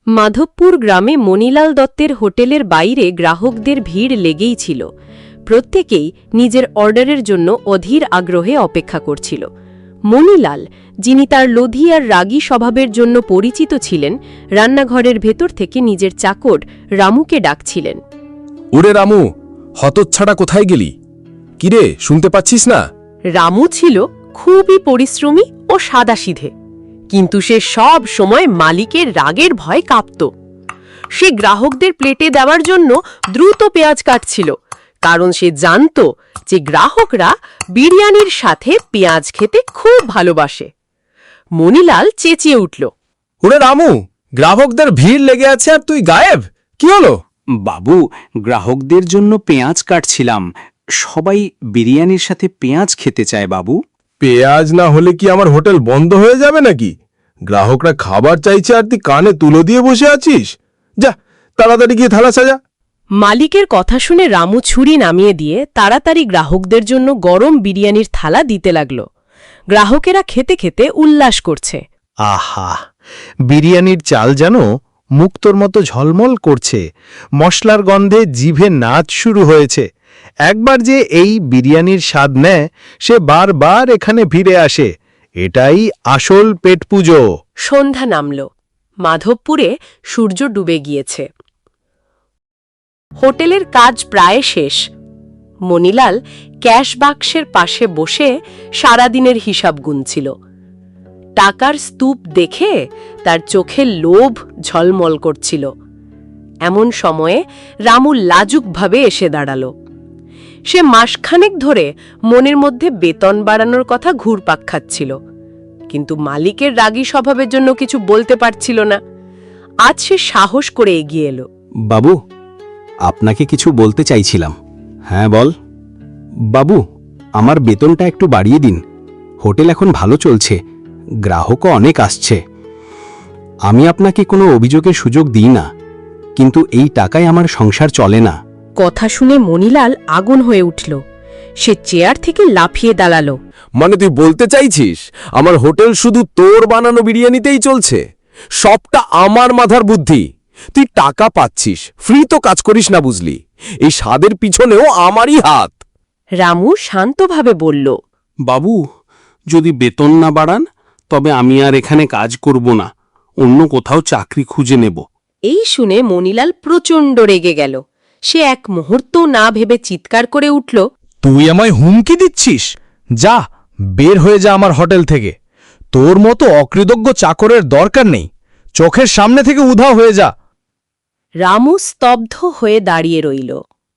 মাধবপুর গ্রামে মণিলাল দত্তের হোটেলের বাইরে গ্রাহকদের ভিড় লেগেই ছিল। প্রত্যেকেই নিজের অর্ডারের জন্য অধীর আগ্রহে অপেক্ষা করছিল। মণিলাল, যিনি তার লোধী আর রাগী স্বভাবের জন্য পরিচিত ছিলেন, রান্নাঘরের ভেতর থেকে নিজের চাকর রামুকে ডাকছিলেন। ওরে রামু, হতচ্ছাড়া কোথায় গেলি? কিরে, শুনতে পাচ্ছিস না? রামু ছিল খুবই পরিশ্রমী ও সাদাসিধে, কিন্তু সে সব সময় মালিকের রাগের ভয় কাঁপত। সে গ্রাহকদের প্লেটে দেওয়ার জন্য দ্রুত পেঁয়াজ কাটছিল, কারণ সে জানত যে গ্রাহকরা বিরিয়ানির সাথে পেঁয়াজ খেতে খুব ভালোবাসে। মণিলাল চেঁচিয়ে উঠল, ওরে রামু, গ্রাহকদের ভিড় লেগে আছে আর তুই গায়েব? কি হলো? বাবু, গ্রাহকদের জন্য পেঁয়াজ কাটছিলাম। সবাই বিরিয়ানির সাথে পেঁয়াজ খেতে চায় বাবু। পেঁয়াজ না হলে কি আমার হোটেল বন্ধ হয়ে যাবে নাকি? গ্রাহকরা খাবার চাইছে আর তুই কানে তুলো দিয়ে বসে আছিস? যা, তাড়াতাড়ি গিয়ে থালা সাজা। মালিকের কথা শুনে রামু ছুরি নামিয়ে দিয়ে তাড়াতাড়ি গ্রাহকদের জন্য গরম বিরিয়ানির থালা দিতে লাগল। গ্রাহকেরা খেতে খেতে উল্লাস করছে। আহা, বিরিয়ানির চাল যেন মুক্তোর মতো ঝলমল করছে। মশলার গন্ধে জিভে নাচ শুরু হয়েছে। একবার যে এই বিরিয়ানির স্বাদ নেয়, সে বারবার এখানে ফিরে আসে। এটাই আসল পেট পুজো। সন্ধ্যা নামল। মাধবপুরে সূর্য ডুবে গিয়েছে। হোটেলের কাজ প্রায় শেষ। মণিলাল ক্যাশ বাক্সের পাশে বসে সারাদিনের হিসাব গুনছিল। টাকার স্তূপ দেখে তার চোখে লোভ ঝলমল করছিল। এমন সময়ে রামু লাজুকভাবে এসে দাঁড়াল। সে মাসখানেক ধরে মনের মধ্যে বেতন বাড়ানোর কথা ঘুরপাক খাচ্ছিল, কিন্তু মালিকের রাগী স্বভাবের জন্য কিছু বলতে পারছিল না। আজ সে সাহস করে এগিয়ে এলো। বাবু, আপনাকে কিছু বলতে চাইছিলাম। হ্যাঁ, বল। বাবু, আমার বেতনটা একটু বাড়িয়ে দিন। হোটেল এখন ভালো চলছে, গ্রাহকও অনেক আসছে। আমি আপনাকে কোনো অভিযোগের সুযোগ দিই না, কিন্তু এই টাকায় আমার সংসার চলে না। কথা শুনে মণিলাল আগুন হয়ে উঠল। সে চেয়ার থেকে লাফিয়ে দাঁড়ালো। মানে তুই বলতে চাইছিস আমার হোটেল শুধু তোর বানানো বিরিয়ানিতেই চলছে? সবটা আমার মাথার বুদ্ধি। তুই টাকা পাচ্ছিস, ফ্রি তো কাজ করিস না, বুঝলি? এই স্বাদের পিছনেও আমারই হাত। রামু শান্তভাবে বলল, বাবু, যদি বেতন না বাড়ান তবে আমি আর এখানে কাজ করব না, অন্য কোথাও চাকরি খুঁজে নেব। এই শুনে মণিলাল প্রচণ্ড রেগে গেল। সে এক মুহূর্ত না ভেবে চিৎকার করে উঠল, তুই আমায় হুমকি দিচ্ছিস? যা, বের হয়ে যা আমার হোটেল থেকে। তোর মতো অকৃতজ্ঞ চাকরের দরকার নেই। চোখের সামনে থেকে উধাও হয়ে যা। রামু স্তব্ধ হয়ে দাঁড়িয়ে রইল।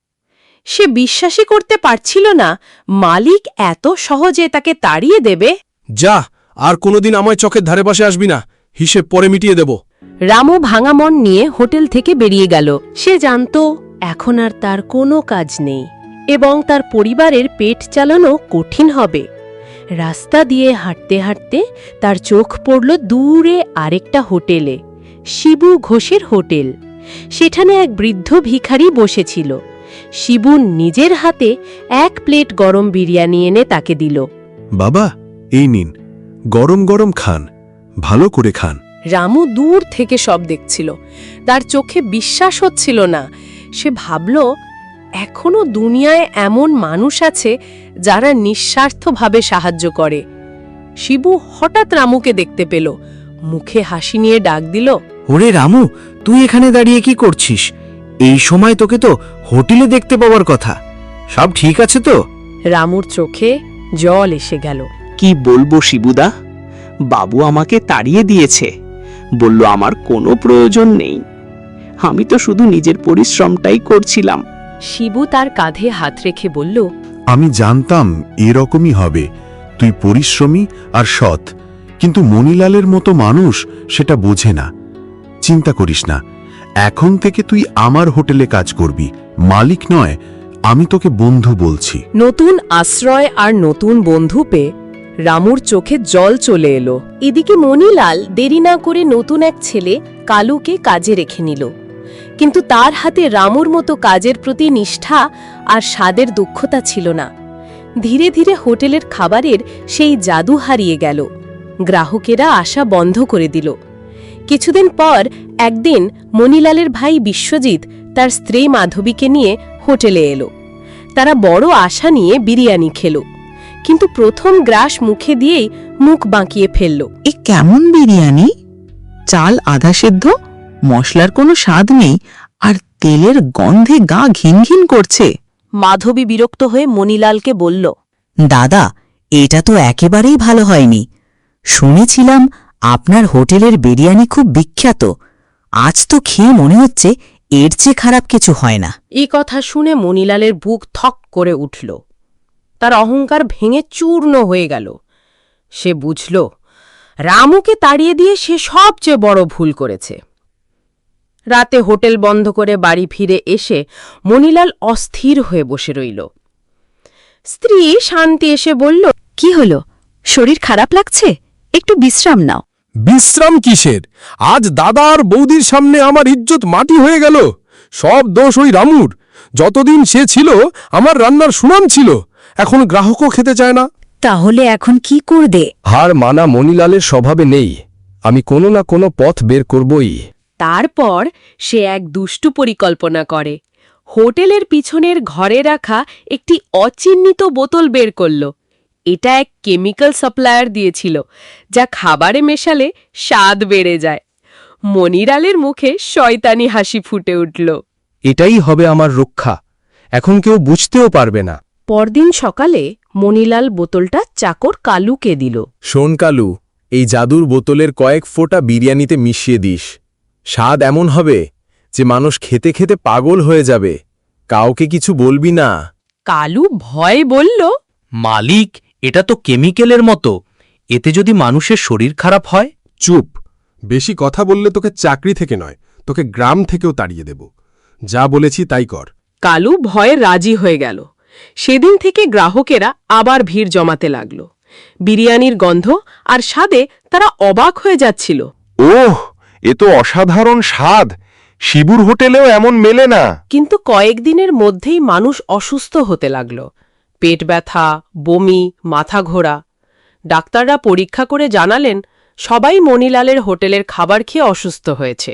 সে বিশ্বাসই করতে পারছিল না মালিক এত সহজে তাকে তাড়িয়ে দেবে। যা, আর কোনোদিন আমায় চোখের ধারে পাশে আসবি না, হিসেব পরে মিটিয়ে দেব। রামু ভাঙা মন নিয়ে হোটেল থেকে বেরিয়ে গেল। সে জানত এখন আর তার কোনো কাজ নেই এবং তার পরিবারের পেট চালানো কঠিন হবে। রাস্তা দিয়ে হাঁটতে হাঁটতে তার চোখ পড়ল দূরে আরেকটা হোটেলে, শিবু ঘোষের হোটেল। সেখানে এক বৃদ্ধ ভিখারি বসেছিল। শিবু নিজের হাতে এক প্লেট গরম বিরিয়ানি এনে তাকে দিল। বাবা, এই নিন, গরম গরম খান, ভালো করে খান। রামু দূর থেকে সব দেখছিল। তার চোখে বিশ্বাস হচ্ছিল না। সে ভাবল, এখনো দুনিয়ায় এমন মানুষ আছে যারা নিঃস্বার্থভাবে সাহায্য করে। শিবু হঠাৎ রামুকে দেখতে পেল। মুখে হাসি নিয়ে ডাক দিল, ওরে রামু, তুই এখানে দাঁড়িয়ে কি করছিস? এই সময় তোকে তো হোটেলে দেখতে পাওয়ার কথা। সব ঠিক আছে তো? রামুর চোখে জল এসে গেল। কি বলবো শিবুদা, বাবু আমাকে তাড়িয়ে দিয়েছে, বলল আমার কোনো প্রয়োজন নেই। আমি তো শুধু নিজের পরিশ্রমটাই করছিলাম। শিবু তার কাঁধে হাত রেখে বলল, আমি জানতাম এরকমই হবে। তুই পরিশ্রমী আর সৎ, কিন্তু মণিলালের মতো মানুষ সেটা বোঝে না। চিন্তা করিস না, এখন থেকে তুই আমার হোটেলে কাজ করবি, মালিক নয়। আমি তোকে বন্ধু বলছি। নতুন আশ্রয় আর নতুন বন্ধু পেয়ে রামুর চোখে জল চলে এলো। এদিকে মণিলাল দেরি না করে নতুন এক ছেলে কালুকে কাজে রেখে নিল, কিন্তু তার হাতে রামুর মতো কাজের প্রতি নিষ্ঠা আর স্বাদের দক্ষতা ছিল না। ধীরে ধীরে হোটেলের খাবারের সেই জাদু হারিয়ে গেল। গ্রাহকেরা আসা বন্ধ করে দিল। কিছুদিন পর একদিন মণিলালের ভাই বিশ্বজিৎ তার স্ত্রী মাধবীকে নিয়ে হোটেলে এলো। তারা বড় আশা নিয়ে বিরিয়ানি খেল, কিন্তু প্রথম গ্রাস মুখে দিয়েই মুখ বাঁকিয়ে ফেলল। এ কেমন বিরিয়ানি? চাল আধা সেদ্ধ, মশলার কোনো স্বাদ নেই, আর তেলের গন্ধে গা ঘিন ঘিন করছে। মাধবী বিরক্ত হয়ে মণিলালকে বলল, দাদা, এটা তো একেবারেই ভালো হয়নি। শুনেছিলাম আপনার হোটেলের বিরিয়ানি খুব বিখ্যাত। আজ তো খেয়ে মনে হচ্ছে এর চেয়ে খারাপ কিছু হয় না। এই কথা শুনে মণিলালের বুক থক করে উঠল। তার অহংকার ভেঙে চূর্ণ হয়ে গেল। সে বুঝল রামুকে তাড়িয়ে দিয়ে সে সবচেয়ে বড় ভুল করেছে। রাতে হোটেল বন্ধ করে বাড়ি ফিরে এসে মণিলাল অস্থির হয়ে বসে রইল। স্ত্রী শান্তি এসে বলল, কি হলো? শরীর খারাপ লাগছে? একটু বিশ্রাম নাও। বিশ্রাম কিসের? আজ দাদা আর বৌদির সামনে আমার ইজ্জত মাটি হয়ে গেল। সব দোষ ওই রামুর। যতদিন সে ছিল আমার রান্নার সুনাম ছিল, এখন গ্রাহকও খেতে চায় না। তাহলে এখন কি করবে? হার মানা মণিলালের স্বভাবে নেই। আমি কোনো না কোনো পথ বের করবই। তারপর সে এক দুষ্টু পরিকল্পনা করে। হোটেলের পিছনের ঘরে রাখা একটি অচিহ্নিত বোতল বের করল। এটা এক কেমিক্যাল সাপ্লায়ার দিয়েছিল, যা খাবারে মেশালে স্বাদ বেড়ে যায়। মণিলালের মুখে শয়তানি হাসি ফুটে উঠল। এটাই হবে আমার রক্ষা। এখন কেউ বুঝতেও পারবে না। পরদিন সকালে মণিলাল বোতলটা চাকর কালুকে দিল। শোন কালু, এই জাদুর বোতলের কয়েক ফোঁটা বিরিয়ানিতে মিশিয়ে দিস। স্বাদ এমন হবে যে মানুষ খেতে খেতে পাগল হয়ে যাবে। কাউকে কিছু বলবি না। কালু ভয় বলল, মালিক, এটা তো কেমিক্যালের মতো। এতে যদি মানুষের শরীর খারাপ হয়? চুপ! বেশি কথা বললে তোকে চাকরি থেকে নয়, তোকে গ্রাম থেকেও তাড়িয়ে দেব। যা বলেছি তাই কর। কালু ভয়ে রাজি হয়ে গেল। সেদিন থেকে গ্রাহকেরা আবার ভিড় জমাতে লাগল। বিরিয়ানির গন্ধ আর স্বাদে তারা অবাক হয়ে যাচ্ছিল। ওহ, এ তো অসাধারণ স্বাদ। শিবুর হোটেলেও এমন মেলে না। কিন্তু কয়েকদিনের মধ্যেই মানুষ অসুস্থ হতে লাগল। পেট ব্যথা, বমি, মাথা ঘোরা। ডাক্তাররা পরীক্ষা করে জানালেন সবাই মণিলালের হোটেলের খাবার খেয়ে অসুস্থ হয়েছে।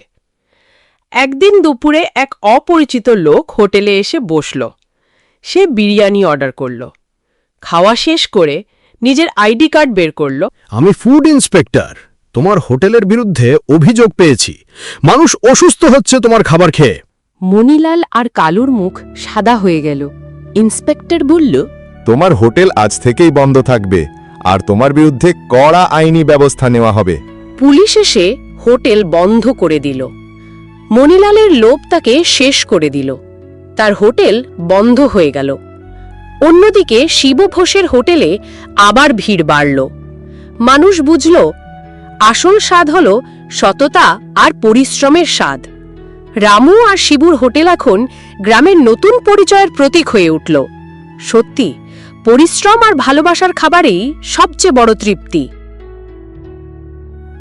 একদিন দুপুরে এক অপরিচিত লোক হোটেলে এসে বসল। সে বিরিয়ানি অর্ডার করল। খাওয়া শেষ করে নিজের আইডি কার্ড বের করল। আমি ফুড ইন্সপেক্টর। তোমার হোটেলের বিরুদ্ধে অভিযোগ পেয়েছি। মানুষ অসুস্থ হচ্ছে তোমার খাবার খেয়ে। মণিলাল আর কালুর মুখ সাদা হয়ে গেল। ইন্সপেক্টর বলল, তোমার হোটেল আজ থেকেই বন্ধ থাকবে, আর তোমার বিরুদ্ধে কড়া আইনি ব্যবস্থা নেওয়া হবে। পুলিশ এসে হোটেল বন্ধ করে দিল। মণিলালের লোভ তাকে শেষ করে দিল। তার হোটেল বন্ধ হয়ে গেল। অন্যদিকে শিব ঘোষের হোটেলে আবার ভিড় বাড়ল। মানুষ বুঝল আসল স্বাদ হল সততা আর পরিশ্রমের স্বাদ। রামু আর শিবুর হোটেল এখন গ্রামের নতুন পরিচয়ের প্রতীক হয়ে উঠল। সত্যি, পরিশ্রম আর ভালোবাসার খাবারেই সবচেয়ে বড় তৃপ্তি।